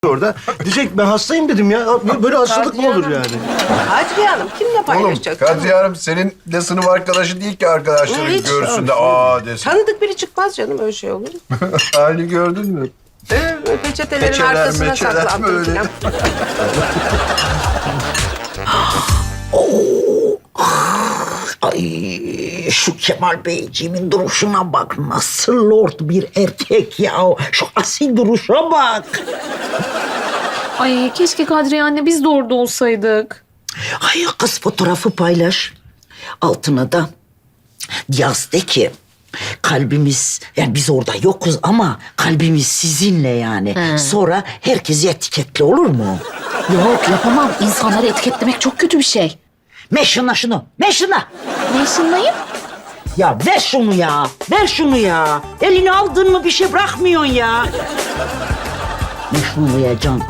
orada. Diyecek ben hastayım dedim ya. Böyle hastalık mı olur yani? Kadriye Hanım kimle Oğlum paylaşacak? Kadriye Hanım senin de sınıf arkadaşı değil ki arkadaşların Hiç. görsün de desin. Tanıdık biri çıkmaz canım, öyle şey olur mu? Halini gördün mü? Peçetelerin Peçeler, arkasına meçeler saklandım böyle. falan. Ay şu Kemal Beyciğimin duruşuna bak. Nasıl lord bir erkek ya. Şu asil duruşa bak. Ay keşke Kadriye anne biz de orada olsaydık. Ay kız fotoğrafı paylaş. Altına da yaz de ki kalbimiz, yani biz orada yokuz ama kalbimiz sizinle yani. Sonra herkesi etiketle, olur mu? Yok yapamam. İnsanları etiketlemek çok kötü bir şey. Ver şunu. Ver şunu. Ne ışınlayayım? Ya ver şunu ya. Ver şunu ya. Elini aldın mı bir şey bırakmıyorsun ya. Ver şunu ya Can.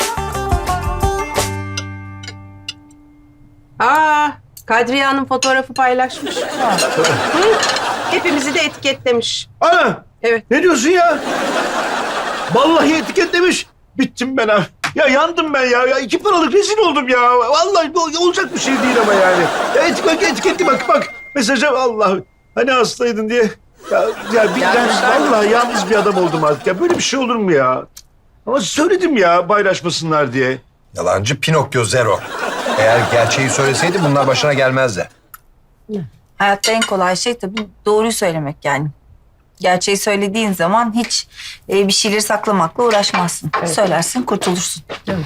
Kadriye Hanım fotoğrafı paylaşmış. Hı, hepimizi de etiketlemiş. Ana! Evet. Ne diyorsun ya? Vallahi etiketlemiş. Bittim ben ha. Ya yandım ben ya. Ya 2 paralık rezil oldum ya. Vallahi bu olacak bir şey değil ama yani. Ya etiketli bak. Mesaja Allah. Hani hastaydın diye. Ya vallahi yalnız bir adam oldum artık. Ya böyle bir şey olur mu ya? Ama söyledim ya paylaşmasınlar diye. Yalancı Pinokyo Zero. Eğer gerçeği söyleseydi bunlar başına gelmezdi. Hayatta en kolay şey tabii doğruyu söylemek yani. Gerçeği söylediğin zaman hiç bir şeyleri saklamakla uğraşmazsın. Söylersin, kurtulursun.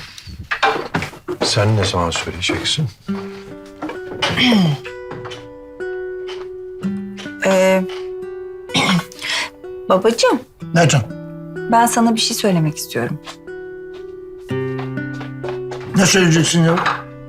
Sen ne zaman söyleyeceksin? Babacığım, Ne can? ben sana bir şey söylemek istiyorum. Ne söyleyeceksin ya?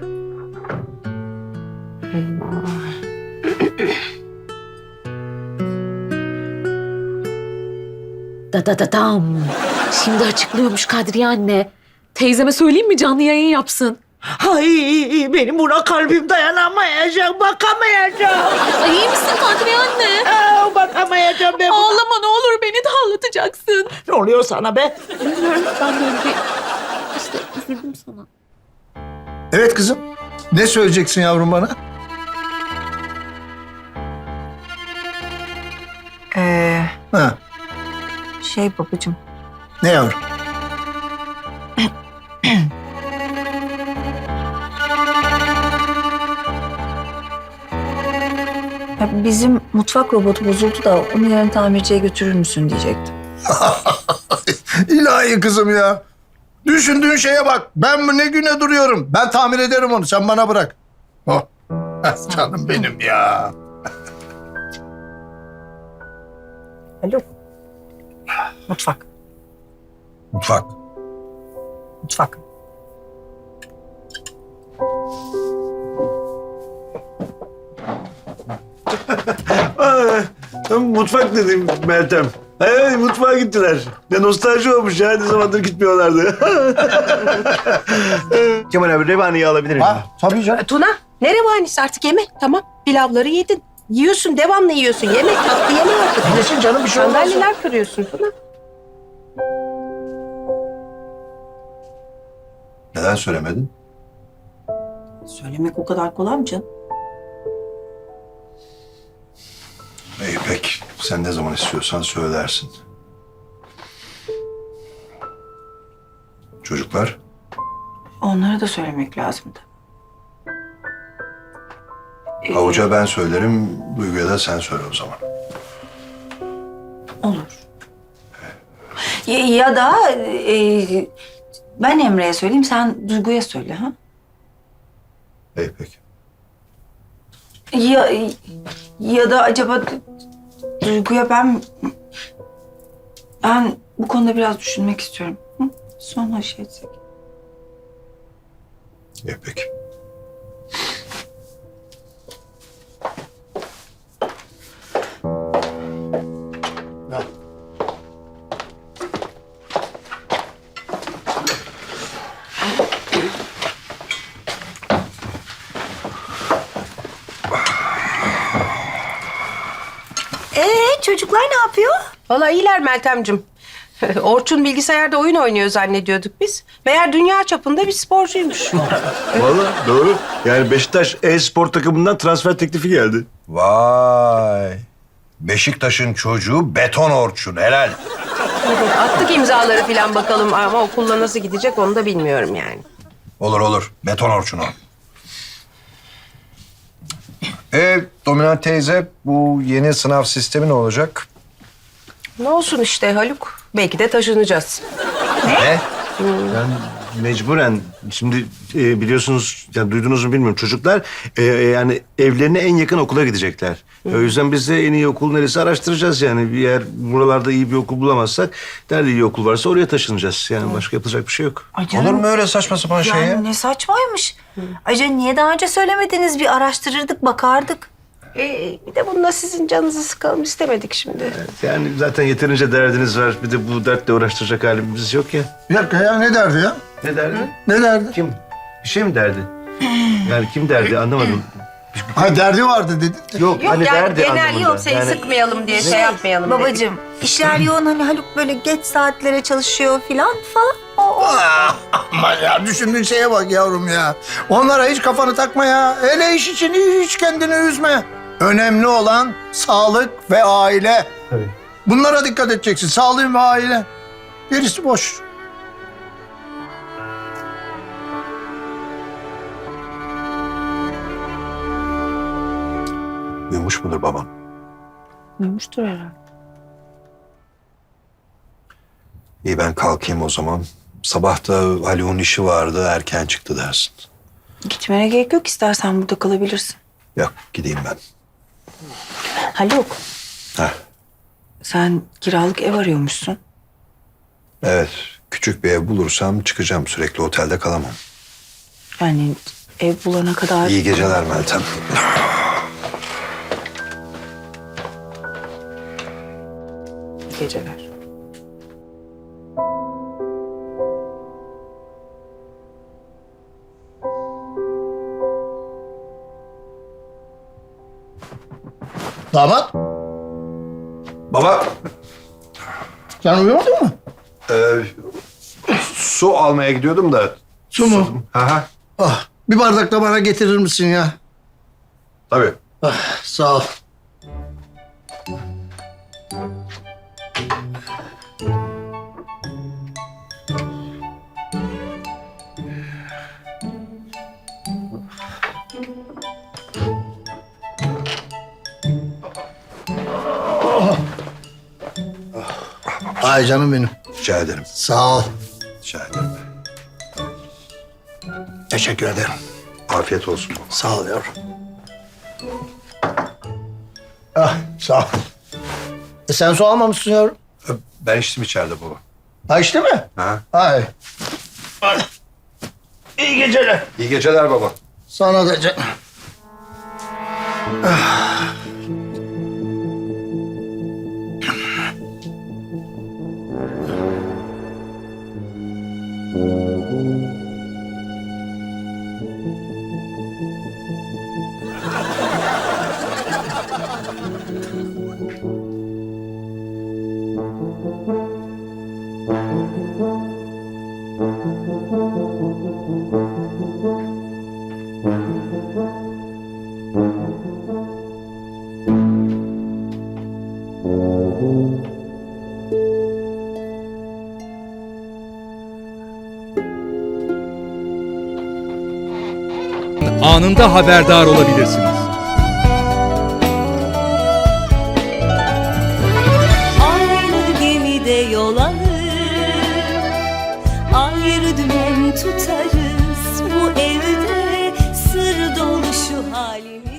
Dam. Şimdi açıklıyormuş Kadriye anne. Teyzeme söyleyeyim mi canlı yayın yapsın? Ay benim buna kalbim dayanamayacak, bakamayacağım. Ay iyi misin Kadriye anne? Bakamayacağım ben buna. Ağlama ne olur beni de ağlatacaksın. Ne oluyor sana be? Bilmiyorum ben böyle bir... İşte üzüldüm sana. Evet kızım. Ne söyleyeceksin yavrum bana? Ha, Babacığım, ne yavrum? ya bizim mutfak robotu bozuldu da onu yarın tamirciye götürür müsün diyecektim. İlahi kızım ya. Düşündüğün şeye bak. Ben ne güne duruyorum. Ben tamir ederim onu. Sen bana bırak. Oh. Canım benim ya. Alo. Mutfak. Mutfak. Mutfak. Mutfak dedim Meltem. Evet mutfağa gittiler. Ne nostalji olmuş ya. Ne zamandır gitmiyorlardı. Kemal abi revaniyi alabilir miyim? Ha, tabii canım. Tuna, ne revanisi artık yeme. Tamam, pilavları yedin. Yiyorsun, devamlı yiyorsun. Yeme, tatlı yeme artık. Yesin canım bir şey olmaz. Sandalyeler kırıyorsun Tuna. Neden söylemedin? Söylemek o kadar kolay mı canım? İyi peki. Sen ne zaman istiyorsan söylersin. Çocuklar? Onlara da söylemek lazımdı. Havuca ben söylerim, Duygu'ya da sen söyle o zaman. Olur. Ya da ben Emre'ye söyleyeyim, sen Duygu'ya söyle ha? İyi peki. Ya da acaba Duygu'ya ben bu konuda biraz düşünmek istiyorum. Hı? Sonra şey etsek. İyi peki. Çocuklar ne yapıyor? Vallahi iyiler Meltemciğim. Orçun bilgisayarda oyun oynuyor zannediyorduk biz. Meğer dünya çapında bir sporcuymuş. Vallahi doğru. Yani Beşiktaş e-spor takımından transfer teklifi geldi. Vay. Beşiktaş'ın çocuğu beton Orçun. Helal. Attık imzaları falan bakalım ama okulla nasıl gidecek onu da bilmiyorum yani. Olur olur. Beton Orçun o. Dominant teyze, bu yeni sınav sistemi ne olacak? Ne olsun işte Haluk. Belki de taşınacağız. Ne? Ben mecburen şimdi biliyorsunuz ya duydunuz mu bilmiyorum çocuklar yani evlerine en yakın okula gidecekler. O yüzden biz de en iyi okul neresi araştıracağız yani. Bir yer buralarda iyi bir okul bulamazsak nerede iyi okul varsa oraya taşınacağız. Yani başka yapılacak bir şey yok. Ay canım, Olur mu öyle saçma sapan şey ya? yani ne saçmaymış. Ayrıca niye daha önce söylemediniz? Bir araştırırdık, bakardık. Bir de bununla sizin canınızı sıkalım istemedik şimdi. Yani zaten yeterince derdiniz var. Bir de bu dertle uğraştıracak halimiz yok ya. Bir dakika ya, ne derdi ya? Ne derdi? Ne derdi? Kim? Bir şey mi derdi? Yani kim derdi anlamadım. Ha, derdi vardı dedi. Yok, Yok hani yani derdi genel anlamında. yok seni sıkmayalım diye şey yapmayalım dedik. Babacığım, işler yoğun, hani Haluk böyle geç saatlere çalışıyor falan. O. Aman ya, düşündüğün şeye bak yavrum ya. Onlara hiç kafanı takma ya. Hele iş için hiç kendini üzme. Önemli olan sağlık ve aile. Tabii. Bunlara dikkat edeceksin. Sağlığın ve aile. Gerisi boş. Uyumuş mudur babam? Duymuştur herhalde. İyi, ben kalkayım o zaman. Sabah da Haluk'un işi vardı, erken çıktı dersin. Gitmene gerek yok, istersen burada kalabilirsin. Yok, gideyim ben. Haluk, Heh. sen kiralık ev arıyormuşsun. Evet, küçük bir ev bulursam çıkacağım. Sürekli otelde kalamam. Yani ev bulana kadar... İyi geceler Meltem. Geceler. Damat, Baba, sen uyumadın mı? su almaya gidiyordum da. Su mu? Aha, Ah, bir bardak da bana getirir misin ya? tabii. Ah, sağ ol. Ay canım benim. Rica ederim. Sağ ol. Rica ederim. Teşekkür ederim. Afiyet olsun. Sağ ol yavrum. Ah, sağ ol. Sen su almamışsın yavrum. Ben içtim içeride baba. Ha, işte mi? Ha? Ay. İyi geceler. İyi geceler baba. Sana da canım. Anında haberdar olabilirsiniz. Aynı gemide yol alır, ayrı dümen tutarız. Bu evde sır dolu şu halimiz.